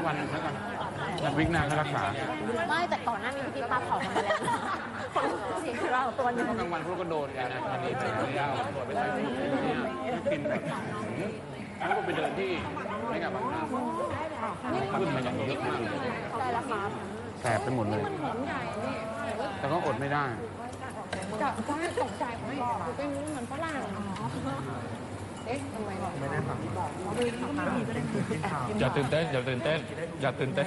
วันแล้วกันแล้ววิกหน้าก็รักษาไม่แต่ก่อนหน้านี้พี่ป้าเผาทำมาแล้วคนสีเราตัวนึงกลางวันพวกก็โดนกันนะอันนี้ไปเอาตัวไปใส่ถุงเนี่ยกินแบบแล้วก็ไปเดินที่ไม่กับบางนาขึ้นมาอย่างเยอะมากเลยได้แล้วครับแสบไปหมดเลยแต่ก็อดไม่ได้จะตกใจไม่บอกเป็นเหมือนฝรั่งเอ๊ะทำไมไม่ได้ฟังอย่าตื่นเต้นอย่าตื่นเต้นอย่าตื่นเต้น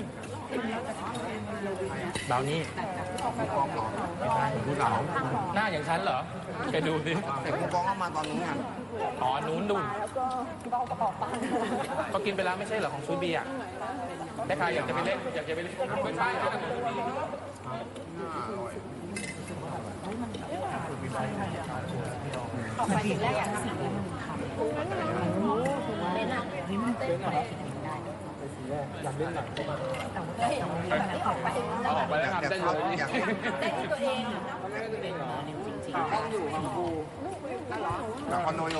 ดาวนี่ผู้สาวหน้าอย่างฉันเหรอไปดูดิแต่กูกองเข้ามาตอนนู้นไงอ๋อนู้นดูแล้วก็เรากระป๋องปังเขากินไปแล้วไม่ใช่เหรอของซูบีอ่ะได้ใครอยากจะไปเล่นอยากจะไปเล่นไม่ใช่ออกไปถึงแรกอยากทำอะไรเล่นอ่ะเต้นไปอยากเล่นหนังเข้ามาออกไปแล้วครับเต้นเลยเต้นตัวเองต้องอยู่ของกูแล้วคอนโนโย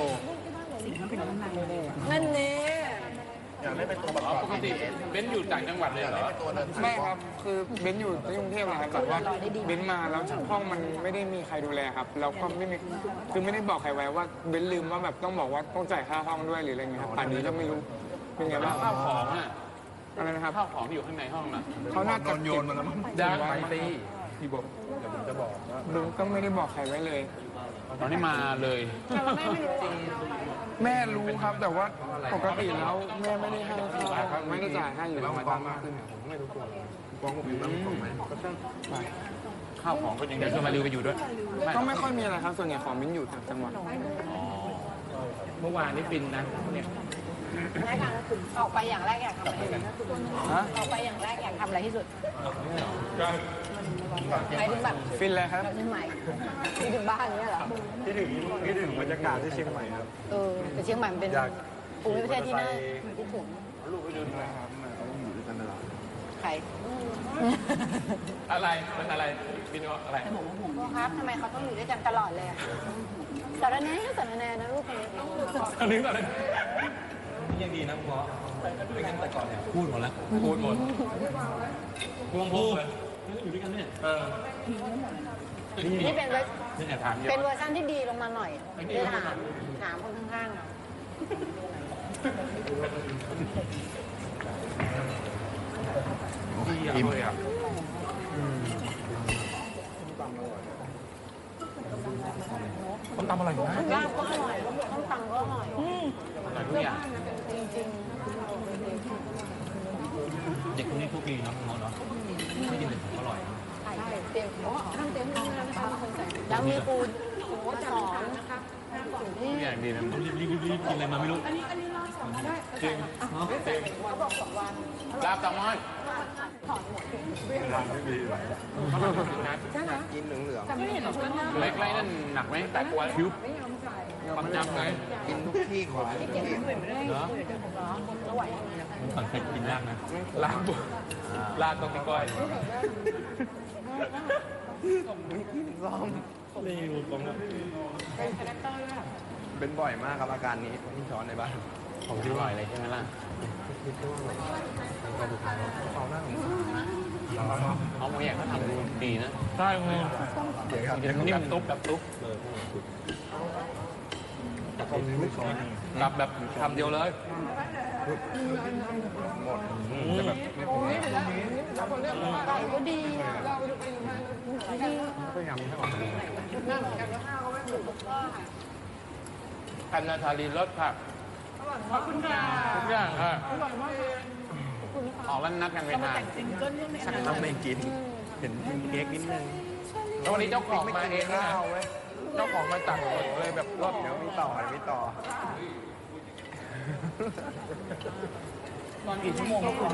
นั่นเน่อยากเล่นเป็นตัวประกอบปกติเบนอยู่ต่างจังหวัดเลยเหรอไม่ครับคือเบนอยู่ที่กรุงเทพนะครับแต่ว่าเบนมาแล้วห้องมันไม่ได้มีใครดูแลครับแล้วก็ไม่มีคือไม่ได้บอกใครไว้ว่าเบนลืมว่าแบบต้องบอกว่าต้องจ่ายค่าห้องด้วยหรืออะไรเงี้ยครับป่านนี้ก็ไม่รู้เป็นไงบ้างข้าวของอ่ะอะไรนะครับข้าวของที่อยู่ข้างในห้องน่ะเขาน่าจะโยนมาแล้วมั้งยางไปตีพี่บอกเดี๋ยวผมจะบอกว่าเบนก็ไม่ได้บอกใครไว้เลยตอนนี้มาเลยแม่รู้ครับแต่ว่าปกติแล้วแม่ไม่ได้ให้ค่าไม่ได้จ่ายให้อยู่แล้วกองมากขึ้นเนี่ยผมไม่รู้ตัวกองผมอยู่แล้วกองไหมก็ช่างข้าวของก็ยังเดี๋ยวชวนมาริวไปอยู่ด้วยก็ไม่ค่อยมีอะไรครับส่วนใหญ่ของเบนอยู่ต่างจังหวัดเมื่อวานนี้ฟินนะเนี่ยออกไปอย่างแรกอยากทำอะไรออกไปอย่างแรกอยากทำอะไรที่สุดหมายถึงแบบฟินเลยครับที่ใหม่ที่ถึงบ้านนี้เหรอคิดถึงบรรยากาศที่เชียงใหม่ครับแต่เชียงใหม่มันเป็นภูมิประเทศที่น่าคิดถึงลูกไปดูนะครับเขาอยู่ด้วยกันตลอดใครอะไรมันอะไรฟินอะไรพ่อครับทำไมเขาต้องอยู่ด้วยกันตลอดเลยสารแน่นะลูกคนนี้อันนี้อะไรนี่ยังดีนะพ่อไม่งั้นแต่ก่อนเนี่ยพูดหมดแล้วพูดหมดพวงพูดอยู่ด้วยกันเนี่ยนี่เป็นเวอร์เป็นชันที่ดีลงมาหน่อยได้ถามคนข้างๆอิ่มเลยครับต้มตำอร่อยนะลาบก็อร่อยต้มตำก็อร่อยทุกอย่างจริงเด็กคนนี้พวกดีเนาะเนาะไม่กินเลยอร่อยใช่เต็มข้างเต็มนะคะแล้วมีปูสอนนะคะทุกอย่างดีนะรีบกินอะไรมาไม่รู้อันนี้รอสองได้จริงเขาบอก2 วันลาบตำม้อยถอนหมดกินเหลืองจะไม่เห็นชุดหน้าเล็กไรนั่นหนักไหมแต่กลัวคิ้วความจำไงกินทุกที่ของทุกที่เนาะมันก่อนเคยกินลาบนะลาบต้องมีก้อยซ้อมนี่รูปนะเป็นคาแรคเตอร์ด้วยเป็นบ่อยมากครับอาการนี้ที่ช้อนในบ้านผมคิดบ่อยเลยใช่ไหมล่ะเอาโมอย่างเขาทำดีนะใช่คุณนิ่มตุ๊บแบบตุ๊บแบบทำเดียวเลยหมดจะแบบไก่ก็ดีดีก็ยำให้ออกกันนาทาลีรสค่ะขอบคุณค่ะทุกอย่างค่ะออกแล้วนัดกันไปทานสักคำไม่กินเห็นเค้กนิดนึงแล้ววันนี้เจ้าของมาเองนะเจ้าของมาตักหมดเลยแบบรอบเดี๋ยวมีต่อตอนกี่ชั่วโมงครับคุณ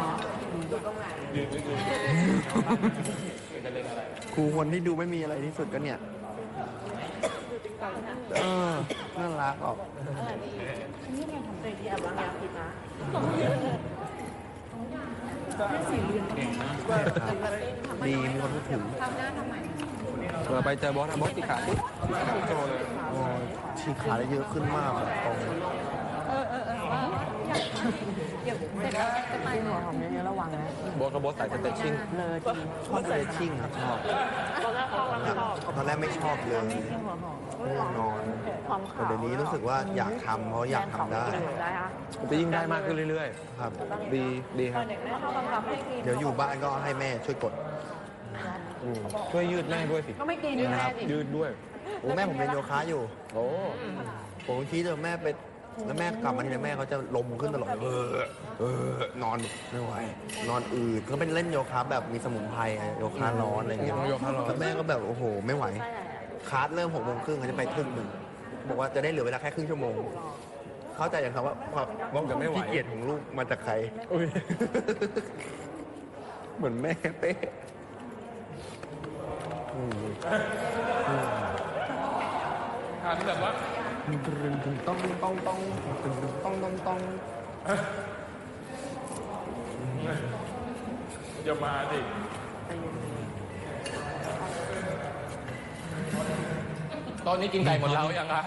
ครูคนที่ดูไม่มีอะไรที่สุดก็เนี่ยน่ารักออกนี่เราทำใจที่อับางยาพิษนะดีมีคนพูดถึงทำหน้าทำไมไปเจอบอสติขาปุ๊บโจเลยฉีกขาได้เยอะขึ้นมากแบบตรงเดี๋ยวเสร็จแล้วจะไปหัวหอมเยอะๆระวังนะโบ๊ทกับโบ๊ทใส่สเต็กชิ่งเลยทีชอบเลยชิ่งครับชอบตอนแรกเขาไม่ชอบตอนแรกไม่ชอบเลยหัวหอมง่วงนอนหอมแต่ขาวเดี๋ยวนี้รู้สึกว่าอยากทำเพราะอยากทำได้ได้ค่ะจะยิ่งได้มากขึ้นเรื่อยครับๆ ดีครับเด็กแม่ชอบบังคับให้กินเดี๋ยวอยู่บ้านก็ให้แม่ช่วยกดช่วยยืดแม่ด้วยสิก็ไม่กินแม่สิยืดด้วยโอ้แม่ผมเป็นโยคะอยู่โอ้ผมคิดว่าแม่ไปแล้วแม่กลับมาทีไรแม่เขาจะลมขึ้นตลอดนอนไม่ไหวนอนอืดเขาเป็นเล่นโยคะแบบมีสมุนไพรไงโยคะร้อนอะไรอย่างเงี้ยโยคะร้อนแล้วแม่ก็แบบโอ้โหไม่ไหวคลาสเริ่ม6:30เขาจะไปครึ่งหนึ่งบอกว่าจะได้เหลือเวลาแค่ครึ่งชั่วโมง เข้าใจอย่างครับว่าความจะไม่ไหวขี้เกียจของลูกมาจากใครอุ๊ยเหมือนแม่เป๊ะ ทานแบบว่าต้องอย่ามาดิตอนนี้กินไก่หมดแล้วยังคะ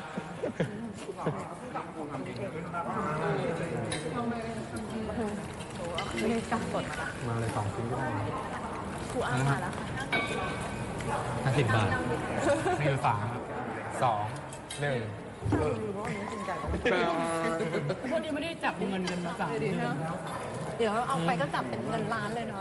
ไม่ได้จับกดมาเลย2 ชิ้นก็ได้ครูอ้างมาแล้ว 50 บาทนี่คือ3 2 1 พวกนี้ไม่ได้จับเงินกันมาสั่งเดี๋ยวเอาไปก็จับเป็นเงินล้านเลยเนาะ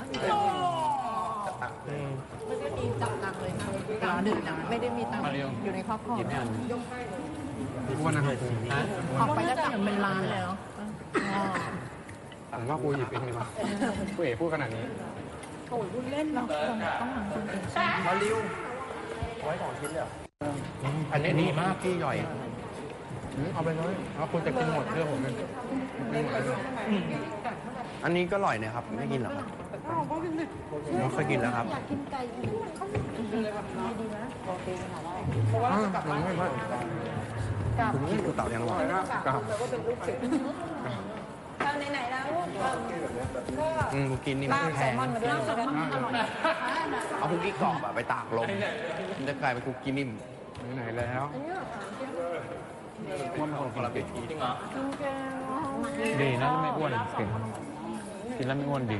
ไม่ได้มีจับตังค์เลยนะกลางดึกนะไม่ได้มีตังค์อยู่ในครอบครัวอ้วนนะฮะออกไปก็จับเป็นล้านเลยเนาะผมว่ากูหยิบเองดีกว่ากูเอ๋พูดขนาดนี้โอ้ยพูดเล่นเราคนต้องหาคนเองมาริวไว้2 ชิ้นเลยอันนี้ดีมากพี่ย่อยเอาไปเลยแล้วคุณจะกินหมดเพื่อผมเลยไม่หมดเลยอันนี้ก็อร่อยนะครับ ไม่กินหรอครับเราเคยกินแล้วครับอยากกินไก่ดีนะโอเคค่ะได้มันไม่พลาดกับคุณกินกูเต่ายังหรอกับแล้วก็เป็นลูกศิษย์เอาไหนๆแล้วก็กูกินนี่ลามับนแซแพลงมอนมาด้วยอร่อยเอาคุกกี้กรอบอะไปตากลมมันจะกลายเป็นคุกกี้นิ่มไหนแล้วว่ามันคนกินจริงเหรอดีนะไม่อ้วนเก่งกินแล้วไม่อ้วนดี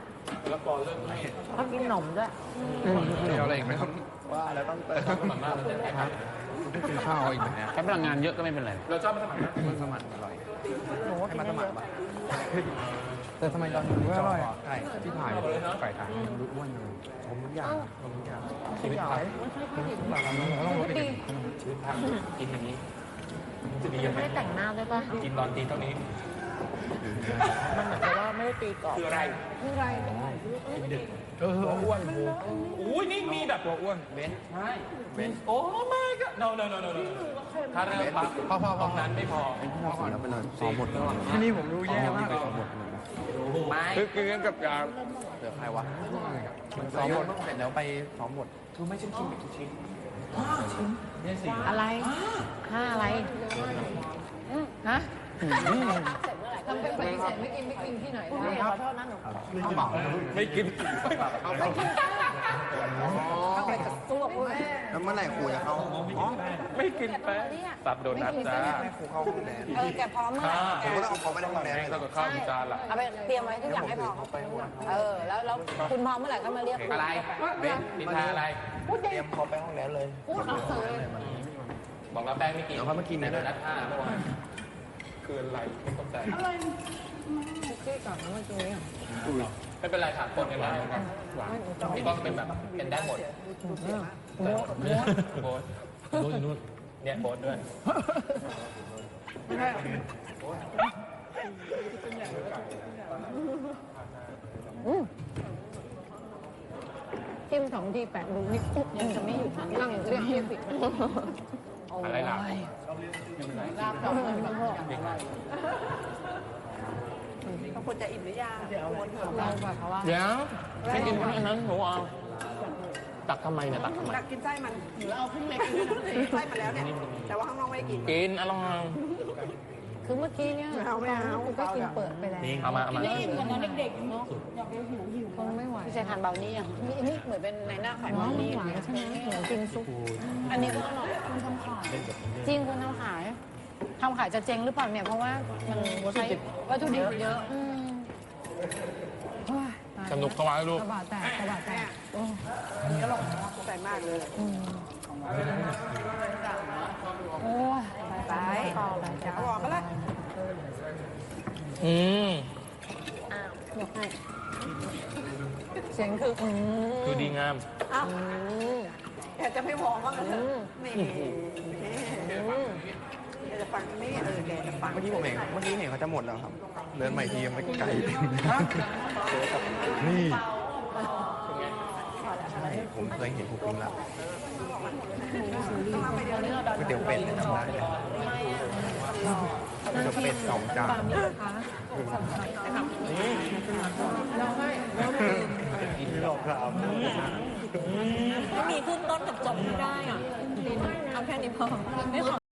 เขากินขนมด้วยเดี๋ยวอะไรอีกไหมครับว่าแล้วต้องเติมสมัครมากเลยครับกินข้าวอีกนะใช้พลังงานเยอะก็ไม่เป็นไรเราชอบมาสมัครนะมันสมัครอร่อยหนูว่าให้กินมาสเยมัครอะปะแต่ทำไมตอนนี้อร่อยไก่ที่ถ่ายไก่ถ่ายดูอ้วนเลยผมทุกอย่างชีวิตพักเราต้องลดไปชีวิตพักกินอย่างนี้จะดียังไงไม่ได้แต่งหน้าด้วยป่ะกินตอนตีเท่านี้มันเหมือนกับว่าไม่ได้ตีกรอบคืออะไรคืออะไรอ้วนอุ้ยนี่มีแบบตัวอ้วนเบนใช่เบนโอ้ไม่ก็ no ถ้าเริ่มปั๊บพอนั้นไม่พอขอแล้วไปเลยซ้อมหมดแล้วที่นี่ผมรู้แย่มากซ้อมหมดไม่ คือกับยาเหลือใครวะซ้อมหมดเสร็จแล้วไปซ้อมหมดคือไม่ใช่กินแบบทุกชิ้นอะไรห้าอะไรฮะทำเป็นปฏิเสธไม่กินที่ไหนได้ขอโทษนะหนูข้าวเหมาไม่กินเข้าไปกับตัวกูแล้วเมื่อไหร่ครูจะเข้าอ๋อไม่กินแป้งตับโดนัทจ้าครูเข้าห้องแดนแกพร้อมเมื่อไหร่ผมก็ต้องเอาเขาไปในห้องแดนแป้งเลยเท่ากับข้าวจานละเอาไปเตรียมไว้ทุกอย่างให้พร้อมแล้วคุณพร้อมเมื่อไหร่ก็มาเรียกอะไรเบนนินทาอะไรเตรียมเขาไปห้องแดนเลยพูดเฉยบอกแล้วแป้งไม่กินเดี๋ยวเขามากินในนะโดนัท5เมื่อวานคืออะไรไม่เข้าใจคุกกี้ก่อนนะเมื่อกี้ไม่เป็นไรถามคนกันได้พี่ต้องเป็นแบบเป็นได้หมดโบ๊ทอยู่นู่นเนี่ยโบ๊ทด้วยจิ้ม2 ที8ดูนี่ยังจะไม่หยุดนั่งเรียกผิดอะไรล่ะลาบต้องเป็นพ่อเขาควรจะอิ่มหรือยังเดี๋ยววนเถอะเราแบบเพราะว่าเดี๋ยวไม่กินอันนั้นหนูเอาตักทำไมเนี่ยตักทำไมตักกินไส้มันหรือเอาขึ้นเล็กไส้มาแล้วเนี่ย แต่ว่าข้างนอกไม่ได้กินกินอร่อยคือเมื่อกี้เนี่ยกูก็กินเปิดไปแล้วเอามานี่เหมือนเด็กๆเนาะอยากหิวคงไม่ไหวพี่ชายทานเบานี่ยังนี่เหมือนเป็นในหน้าขายเบานี่หวานใช่ไหมหมูกินซุปอันนี้ก็อร่อยคุณทำขายจริงคุณทำขายทำขายจะเจ๊งหรือเปล่าเนี่ย เพราะว่ามันใช้วัตถุดิบเยอะโอ้ยตายสนุกเข้ามาลูกกระบาดแตกกระบาดแตกโอ้ใจมากเลยโอ้ยไปต่อเลยจะเอาออกก็แล้วอืมยกให้เสียงคือดูดีงามอ้าวอยากจะไม่มองว่ามันเถอะนี่แกจะฟังนี่แกจะฟังเมื่อกี้เห็นเขาจะหมดแล้วครับ เดินใหม่ทียังไม่ไกลเต็มนี่ผมเคยเห็นคุกกิ้งแล้วก๋วยเตี๋ยวเป็ดเนี่ยจำได้เลยก๋วยเตี๋ยวเป็ด2 จานเราให้หลอกครับไม่มีขึ้นต้นกับจบไม่ได้อ่ะเอาแค่นี้พอไม่ขอ